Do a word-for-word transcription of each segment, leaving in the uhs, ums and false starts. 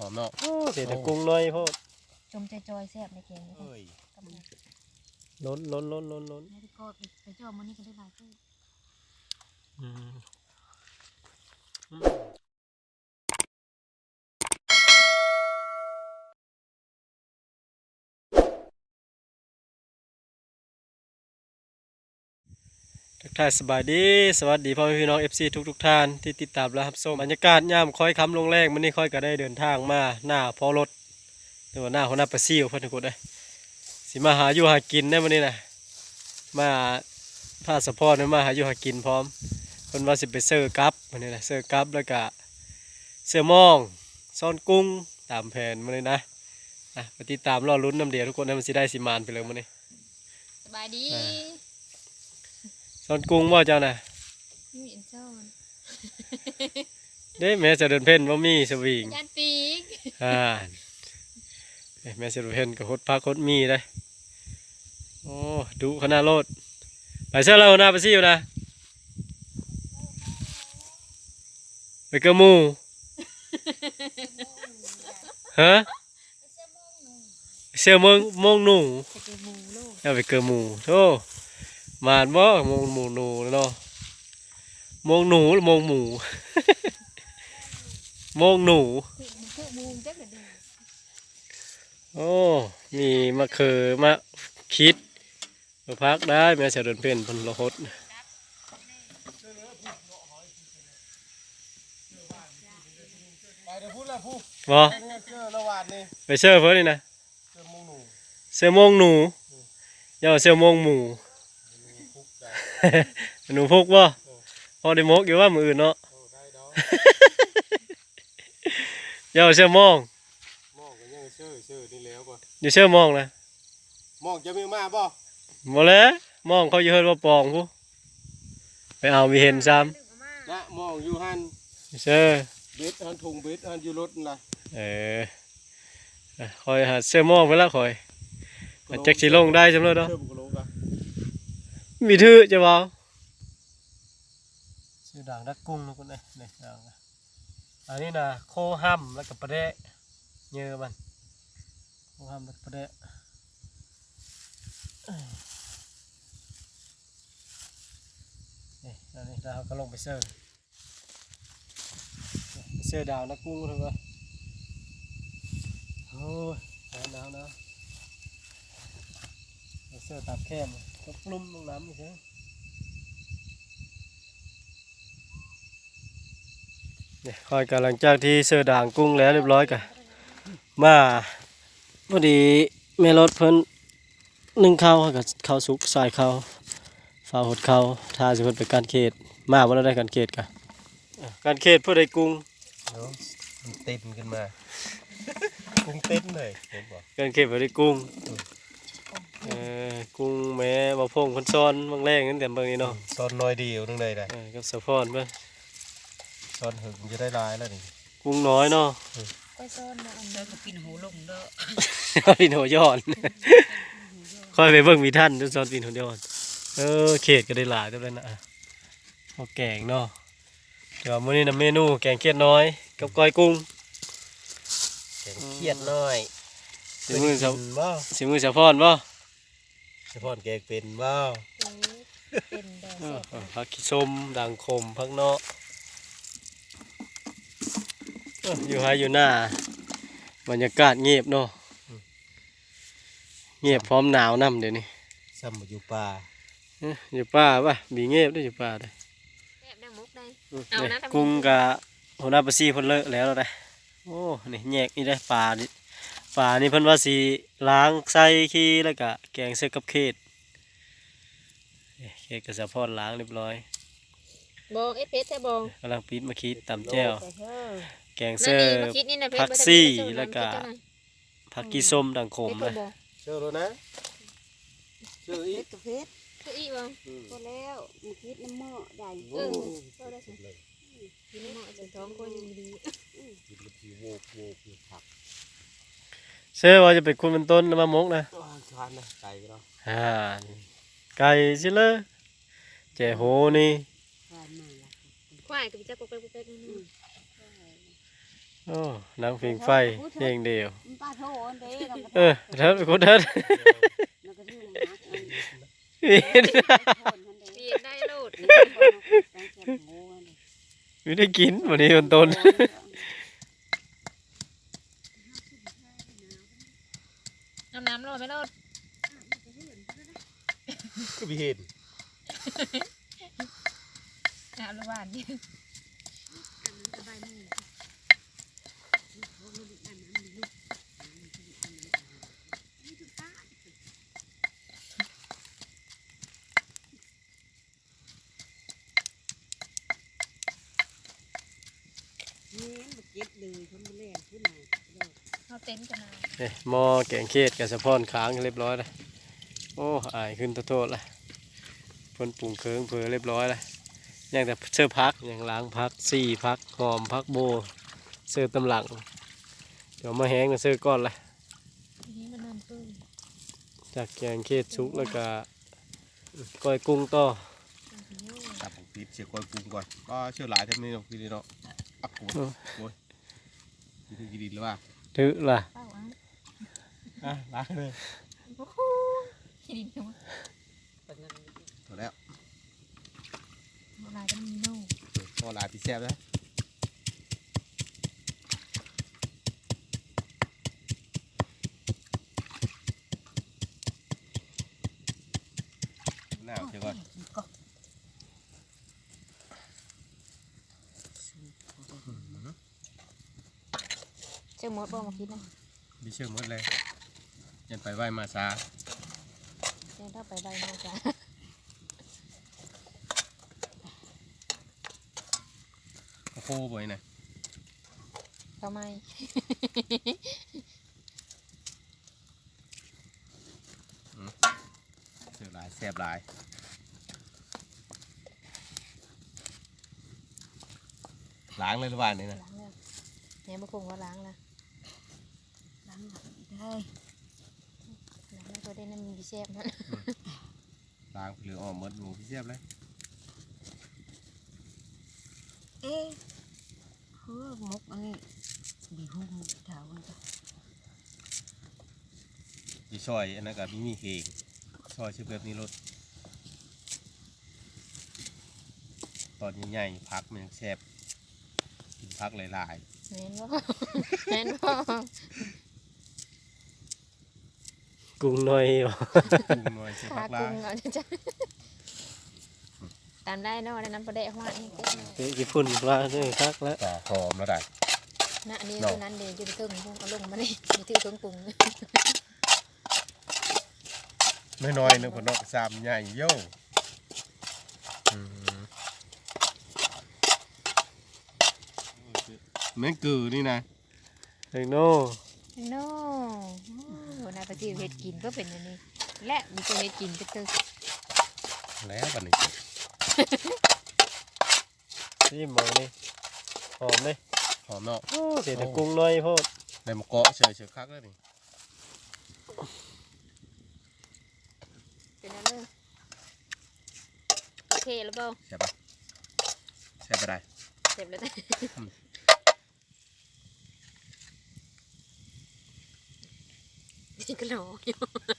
อมเนาะโอ้เสียแต่กุ้งน้อยโพดจมจอยๆแซ่บในเกมนี้ล้นล้นล้นล้นล้นแล้วก็ไปเจาะมันนี่กันได้หลายตู้ทักทายสบายดีสวัสดีพ่อแม่พี่น้อง เอฟ ซี ทุกทุกท่านที่ติดตามและรับชมบรรยากาศย่ามค่อยค้ำลงแรงมันนี่ค่อยก็ได้เดินทางมาหน้าพอรถหรือว่าหน้าหัวหน้าปลาซิวเพื่อนทุกคนได้สิมาหาอยู่หากินได้มันนี่นะมาพาสะพอนมาหาอยู่หากินพร้อมคนว่าสิไปเซอร์กับมันนี่นะเซอร์กับแล้วก็เสื้อมองซ่อนกุ้งตามแผนมันนี่นะนะไปติดตามรอลุ้นน้ำเดียวทุกคนให้มันสิได้สิมานไปเลยมันนี่สบายดีซ่อนกุ้งว่าเจ้าน่ะมีอันเจ้าเด้แม่จะเดินเพ่นว่ามีสวิงยันปีกอ่าแม่จะเดินเพ่นกับฮดพักฮดมีได้โอ้ดูขนาดโลดไปเชื่อเราหน้าไปซิวนะไปเกมูฮะเชื่อมงมงหนูเอาไปเกมูโธ่มานบ่มงหมูหนูเนาะมงหนูหรือมงหมูมงหนูโอ้มีมะเขือมะคิดมาพักได้แม่เสด็จเพ่นพันละหดบ่ไปเชื่อเพื่อนนี่นะเสื้อมงหนูย่าเสื้อมงหมูหนูพุกบ่พอได้มกอยู่ว่ามืออื่นเนาะย่าเสื้อมองอยู่เสื้อมองนะมองจะมีมาบ่บ่แล้วมองเขาอยู่เฮิรว่าปองผู้ไปเอามีเห็นซ้ำนะมองอยู่หันเสื้อเบ็ดหันถุงเบ็ดหันอยู่รถนะเออคอยหาเสื้อมองไปแล้วคอยแจ็คสีลงได้จำเลยเนาะมีทื่อจะบ่ชื่อด่างดักกุ้งนะคุณเอ้ยนี่ด่างอันนี้นะโคห้ำแล้วกับปลาเดะเยอะมันโคห้ำแล้วกับปลาเดะนี่อันนี้เราก็ลงไปเสิร์ฟเสิร์ฟด่างดักกุ้งถูกไหมโอ้ยหนาวหนาวเสิร์ฟตับแคมก็ปลุ้มลงน้ำอีกใช่เนี่ยคอยกันหลังจากที่เสือด่างกุ้งแล้วเรียบร้อยกันมาพอดีแม่รถเพิ่นนึ่งข้าวกับข้าวสุกใส่ข้าวฝ้าหดข้าวท่าสิเพิ่นไปการเขตมาวันละได้การเขตกันการเขตเพื่อได้กุ้งมันเต้นขึ้นมากุ้งเต้นเลยการเขตเพื่อได้กุ้งเออกุ้งแม่บ่พงคนซ้อนบางแรงนั่นแต่บางนี้เนาะซ้อนน้อยเดียวนึงเลยได้กับสะพอนเบิ่งซ้อนหึงจะได้ลายแล้วนี่กุ้งน้อยเนาะก็ซ้อนมาอันเด้อก็ปินหูลงเด้อปินหูย้อนค่อยไปเบิ่งมีท่านซ้อนปินหูย้อนเออเขตก็ได้หลายเท่านั้นนะเอาแกงเนาะเดี๋ยวมื้อนี้นะเมนูแกงเขียดน้อยกับก้อยกุ้งแกงเขียดน้อยสิมือสะบ่สิมือสะพอนบ่สะพอนแกงเป็นบ่เป็นดอกผักขี้ส้มด่างขมผักเนาะอยู่ให้อยู่หน้าบรรยากาศเงียบเนาะเงียบพร้อมหนาวน้ำเดี๋ยวนี้ซ้ำอยู่ป่าอยู่ป่าป่ะมีเงียบด้วยอยู่ป่าได้กุ้งกับหัวหน้าปลาซีเพิ่นเลิกแล้วได้โอ้นี่แยกนี่ได้ปลานี่ปลานี่เพิ่นว่าสีล้างใส่ขี้แล้วก็แกงใส่กับเค็ดเค็ดกับสะพอนล้างเรียบร้อยบองเอสเพชรใช่บองกำลังปิดมาคิดตำแจ่วแกงเสื้อผักซี่แล้วก็ผักกีส้มด่างขมเลยเชื่อแล้วนะเชื่ออีกเพชรเชื่ออีกบ้างพอแล้วมาคิดน้ำหม้อใหญ่เออพอได้สิกินน้ำหม้อจะท้องก็ยังดีกินมันทีโวกโวกอยู่ผักเชื่อว่าจะเป็นคุณเป็นต้นมะมกนะทานนะไก่ก็อ่าไก่ใช่เลยเจ๋โหนี่ควายกับเจ้าปุ๊กเป๊กปุ๊กเป๊กนี่โอ้โอ้หนังเพลงไฟเพลงเดียวมันป้าโทษเด้กับเออเถิดกูเถิดแล้วก็ชื่อนะเห็นเปียได้โลดไม่ได้กินวันนี้มันต้นน้ำน้ำโลดไม่โลดก็มีเห็นน้ำละบาทนี่ เขาเต้นกันนะเอ้ยหม้อแกงเขตกับสะพอนค้างเรียบร้อยแล้วโอ้อายขึ้นโทษละเพ่นปรุงเครื่องเพอเรียบร้อยแล้วยังแต่เสื้อพักยังล้างพักสี่พักหอมพักโบเสื้อตำหลังเดี๋ยวมาแห้งมาเสื้อก้อนละทีนี้มันน้ำปื้นจากแกงเขตชุกแล้วก็ก้อยกุ้งต่อจับของพีเชียร์กอยปรุงก่อนก็เชื่อหลายเท่านี้เนาะพี่นี่เนาะอักโกยโอ้ยกินกินดินหรือว่าถือล่ะเป้าอ่ะอ่ะล้างเลยโอ้โหขี้ดินจังวะถูกแล้วโบราณก็มีโน่พอหลายพี่แซ่บนะหน้าเชียร์ก่อนเชื่อมดบ่มาคิดนะมีเชื่อหมดเลยยันไปไหวมาซาเชื่อถ้าไปใบมาจ้ะโอ้โหบ่อยนะทำไมเชื่อหลายแซ่บหลายล้างเลยหรือว่านี่นะล้างแล้วเนี่ยมาคงว่าล้างแล้วล้างหลังได้ล้างแล้วก็ได้น้ำมีแซ่บนะล้างเหลือออกหมดหมูพี่แซ่บเลยเอ๊ะคือมุกอันนี้ดีหุ่มเท้ามันก็ยีซอยอันนั้นกับมีมีเฮงซอยชื่อแบบนี้รสตอนใหญ่ๆพักมันยังแซ่บกินพักหลายแม่นบ่แม่นบ่กุ้งหน่อยๆกุ้งหน่อยเสียขาพักหลากุ้งยเอาจ้ะตามได้เนาะได้น้ำปลาแดกหัวนี่เต้นเตะกี่ฝุ่นปลาเนี่ยคักแล้วต่อหอมแล้วได้นะอันนี้เนาะตัวนั้นเดี๋ยวจะไปเติมพวกเอาลงมานี่มีที่เครื่องปรุงน้อยๆนึงพอนอกสามใหญ่โย่อืมแม่งกือนี่นะเฮ้ยโน่โน่โอ้นายประสิวเฮ็ดกินก็เป็นอย่างนี้ และมีตัวเฮ็ดกินก็ตึกแล้วบัดนี้นี่หมอนี่หอมเลยหอมเนาะโอ้เสียแต่กุ้งหน่อยโพดได้มาเกาะเฉยเฉยคักแล้วนี่เป็นอะไรโอเคแล้วเปล่าใช่ปะใช่ปะได้เสร็จแล้วนะนี่ก็รออยู่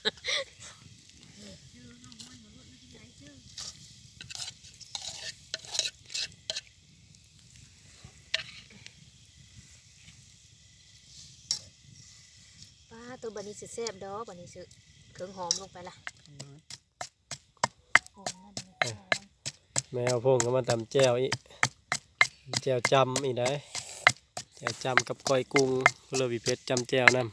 ป้าตัวบันนี้สิแซ่บดอกบันนี้สิเครื่องหอมลงไปละหอมนั่นเลยแมวพงก็มาตำแจ่วอีกแจ่วจำอีกได้แจ่วจำกับก้อยกุ้งเพื่อวิเพชรจำแจ่วนำ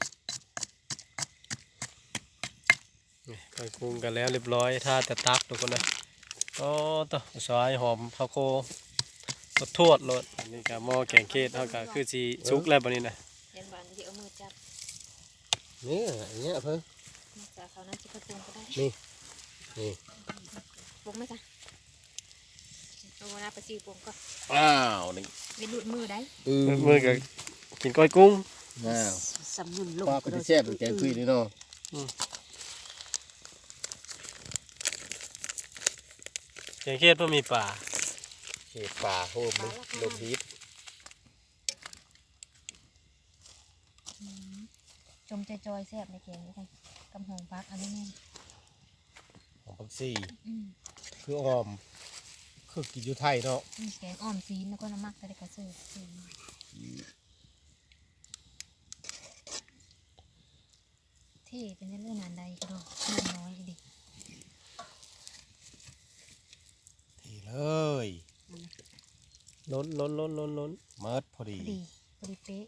นี่ก้อยกุ้งกันแล้วเรียบร้อยท่าแต่ตักทุกคนนะโอ้ต่อสายหอมข้าวโครสทวดรสอันนี้ก็หม้อแกงเขตเท่ากับคือสีชุกแล้วบันนี้นะเย็นวันที่เอามือจับนี่อย่างเงี้ยเพิ่งจากเขานั้นจะกระปุงก็ได้นี่นี่ปุงไหมจ๊ะเอาหน้าไปซีปุงก็อ้าวนี่ไม่หลุดมือได้อืมมือกับกินก้อยกุ้งอ้าวสำนุนลงปลาก็จะแซ่บเป็นแกงคุยนี่เนาะแกงเขตเพื่อมีป่าเขตป่าโฮมนี่ลมฮิตจมจอยๆแซ่บในแกงนี่ค่ะกำหงพักอันนี้แม่นของพักซี่อืมคือออมคือกินอยู่ไทยเนาะอืมแกงอ้อมซีนแล้วก็น้ำมักแต่ได้กระเสือซื้อมาที่เป็นเรื่องนานใดก็ดอกนานน้อยดิทีเลยล้นล้นล้นล้นล้นเมิดพอดีพอดีพอดีเป๊ะ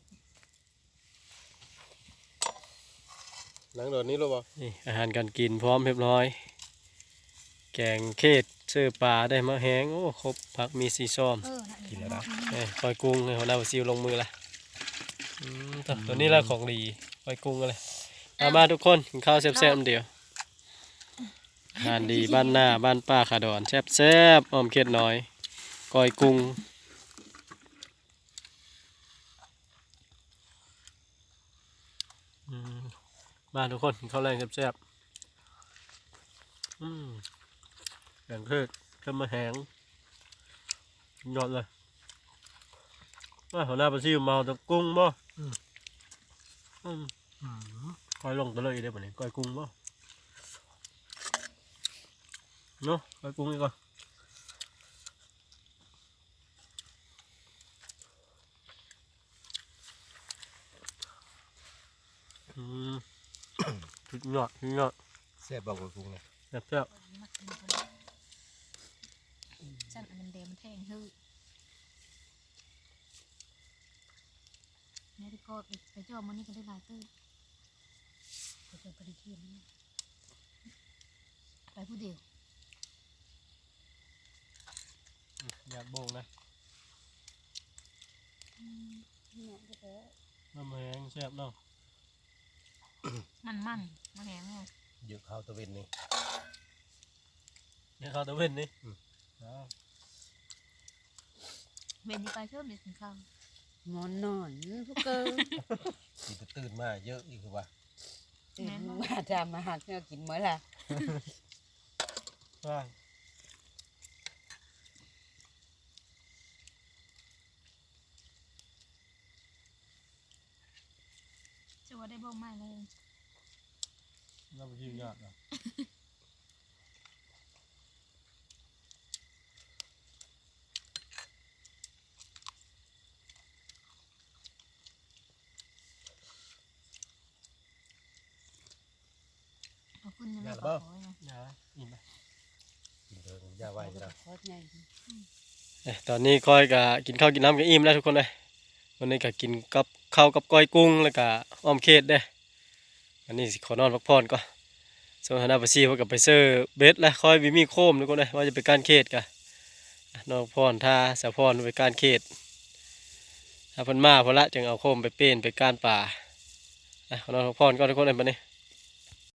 หลังโดดนี้รู้ป่ะนี่อาหารการกินพร้อมเรียบร้อย แกงเขตเสื้อปลาได้มาแห้งโอ้ครบผักมีสีส้มเออละกินแล้วนะเอ้ยก้อยกุ้งให้หัวหน้าซิวลงมือละอืมตัวตัวนี้ละของดีก้อยกุ้งอะไรมามาทุกคนกินข้าวแซ่บๆเดียวอาหารดีบ้านหน้าบ้านป้าขาดอนแซ่บๆอ้อมเข็ดน้อยก้อยกุ้งอืมมาทุกคนกินข้าวแรงแซ่บๆอืมแกงเทศก็มาแห้งยอดเลยว่าหัวหน้าปลาซิวเมาแต่กุ้งบ่อืมอืมอืมก้อยลงตะเลยได้ป่ะเนี่ยก้อยกุ้งบ่เนาะก้อยกุ้งอีกก่อนอืม ชุดยอดชุดยอดแซ่บบอกกับกุ้งเลยแซ่บแซ่บมักกินพอดีจันอันนั้นเดมันแทงฮื้อแม่ที่ก็ไปไปจอมันนี่ก็ได้หลายตื้อไปเจอพอดีเที่ยงนี่ไปผู้เดียวอยากโบงนะเนี่ยก็แท้น้ำแห้งแซ่บเนาะมันมันมันแหงไงเยอะข้าวตะเวนนี่นี่ข้าวตะเวนนี่อืมอ้าวเวนนี่ไปเชื่อมเด็ดถึงข้าวนอนนอนพวกเกินกินแต่ตื่นมาเยอะอีกคือว่าตื่นมาทำอาหารเพื่อกินเมื่อไหร่ว่างจะว่าได้บ้องไม้เลยน้ำจิ้มยอดเนาะเอาขึ้นยังไม่ก็ขอไงยาอิ่มไหมกินเถอะย่าไว้จ้ะขอใหญ่เอ้ยตอนนี้ก้อยก็กินข้าวกินน้ำกันอิ่มแล้วทุกคนเลยวันนี้ก็กินกับข้าวกับก้อยกุ้งแล้วก็อ้อมเขตเด้ออันนี้สิขอนอนพักผ่อนก่อนส่วนหัวหน้าปลาซิวก็ไปเซอร์เบสแล้วคอยวิมีโคมทุกคนเลยว่าจะไปการเขตกันนอกพรท่าสะพรไปการเขตถ้าเพิ่นมาพอละจึงเอาโคมไปเป้นไปการป่าอ่ะขอนอนพักผ่อนก่อนทุกคนเลยบัดนี้